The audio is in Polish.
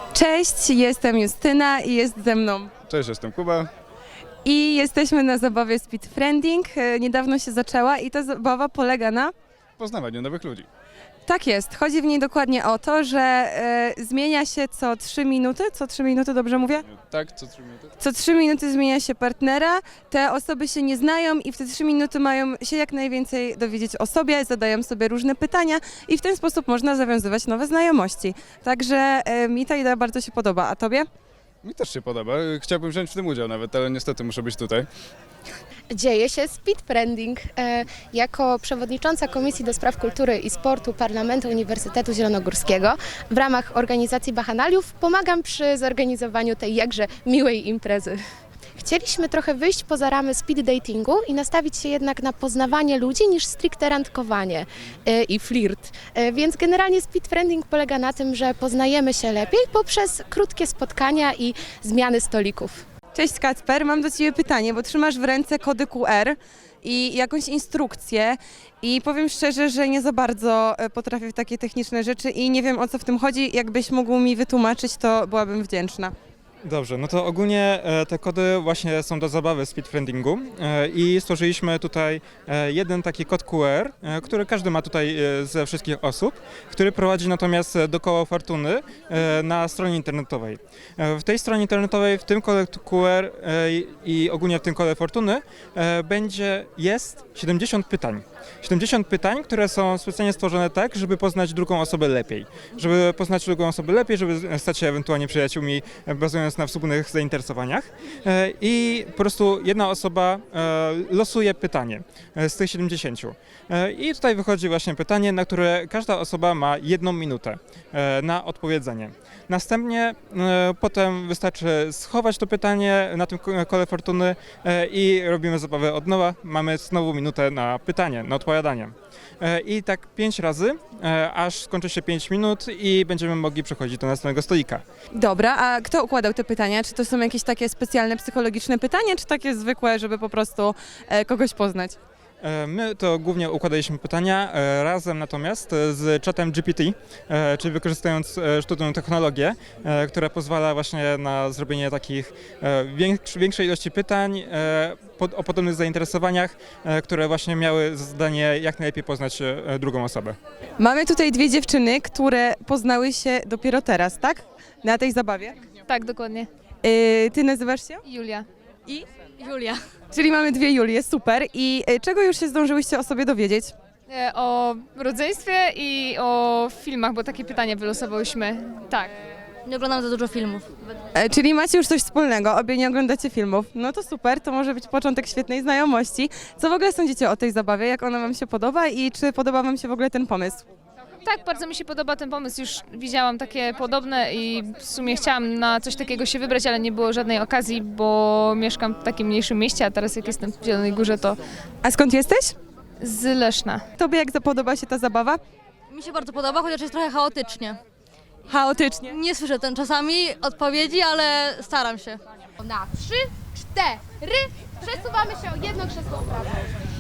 Cześć, jestem Justyna i jest ze mną. Cześć, jestem Kuba. I jesteśmy na zabawie Speed Friending. Niedawno się zaczęła i ta zabawa polega na... Poznawaniu nowych ludzi. Tak jest, chodzi w niej dokładnie o to, że zmienia się co 3 minuty. Co 3 minuty, dobrze mówię? Tak, co 3 minuty? Co 3 minuty zmienia się partnera, te osoby się nie znają i w te 3 minuty mają się jak najwięcej dowiedzieć o sobie, zadają sobie różne pytania i w ten sposób można zawiązywać nowe znajomości. Także mi ta idea bardzo się podoba, a tobie? Mi też się podoba. Chciałbym wziąć w tym udział nawet, ale niestety muszę być tutaj. Dzieje się Speed Friending. Jako przewodnicząca Komisji do Spraw Kultury i Sportu Parlamentu Uniwersytetu Zielonogórskiego w ramach organizacji Bacchanaliów pomagam przy zorganizowaniu tej jakże miłej imprezy. Chcieliśmy trochę wyjść poza ramy speed datingu i nastawić się jednak na poznawanie ludzi niż stricte randkowanie i flirt. Więc generalnie speed friending polega na tym, że poznajemy się lepiej poprzez krótkie spotkania i zmiany stolików. Cześć Kacper, mam do Ciebie pytanie, bo trzymasz w ręce kody QR i jakąś instrukcję i powiem szczerze, że nie za bardzo potrafię w takie techniczne rzeczy i nie wiem, o co w tym chodzi. Jakbyś mógł mi wytłumaczyć, to byłabym wdzięczna. Dobrze, no to ogólnie te kody właśnie są do zabawy speedfriendingu i stworzyliśmy tutaj jeden taki kod QR, który każdy ma tutaj ze wszystkich osób, który prowadzi natomiast do koła fortuny na stronie internetowej. W tej stronie internetowej, w tym kole QR i ogólnie w tym kole fortuny jest 70 pytań. 70 pytań, które są specjalnie stworzone tak, żeby poznać drugą osobę lepiej. Żeby poznać drugą osobę lepiej, żeby stać się ewentualnie przyjaciółmi, bazując na wspólnych zainteresowaniach. I po prostu jedna osoba losuje pytanie z tych 70. I tutaj wychodzi właśnie pytanie, na które każda osoba ma 1 minutę na odpowiedzenie. Następnie potem wystarczy schować to pytanie na tym kole fortuny i robimy zabawę od nowa. Mamy znowu minutę na pytanie, na odpowiadanie. I tak 5 razy, aż skończy się 5 minut i będziemy mogli przechodzić do następnego stolika. Dobra, a kto układał te pytania? Czy to są jakieś takie specjalne psychologiczne pytania, czy takie zwykłe, żeby po prostu kogoś poznać? My to głównie układaliśmy pytania razem natomiast z czatem GPT, czyli wykorzystując sztuczną technologię, która pozwala właśnie na zrobienie takich większej ilości pytań o podobnych zainteresowaniach, które właśnie miały za zadanie jak najlepiej poznać drugą osobę. Mamy tutaj 2 dziewczyny, które poznały się dopiero teraz, tak? Na tej zabawie. Tak, dokładnie. Ty nazywasz się? Julia. I? Julia. Czyli mamy 2 Julie, super. I czego już się zdążyłyście o sobie dowiedzieć? O rodzeństwie i o filmach, bo takie pytanie wylosowałyśmy. Tak. Nie oglądam za dużo filmów. Czyli macie już coś wspólnego, obie nie oglądacie filmów. No to super, to może być początek świetnej znajomości. Co w ogóle sądzicie o tej zabawie? Jak ona wam się podoba i czy podoba wam się w ogóle ten pomysł? Tak, bardzo mi się podoba ten pomysł. Już widziałam takie podobne i w sumie chciałam na coś takiego się wybrać, ale nie było żadnej okazji, bo mieszkam w takim mniejszym mieście, a teraz jak jestem w Zielonej Górze, to A skąd jesteś? z Leszna. Tobie jak podoba się ta zabawa? Mi się bardzo podoba, chociaż jest trochę chaotycznie. Chaotycznie. Nie słyszę czasami odpowiedzi, ale staram się. Na 3, 4 przesuwamy się o jedno krzesło w prawo.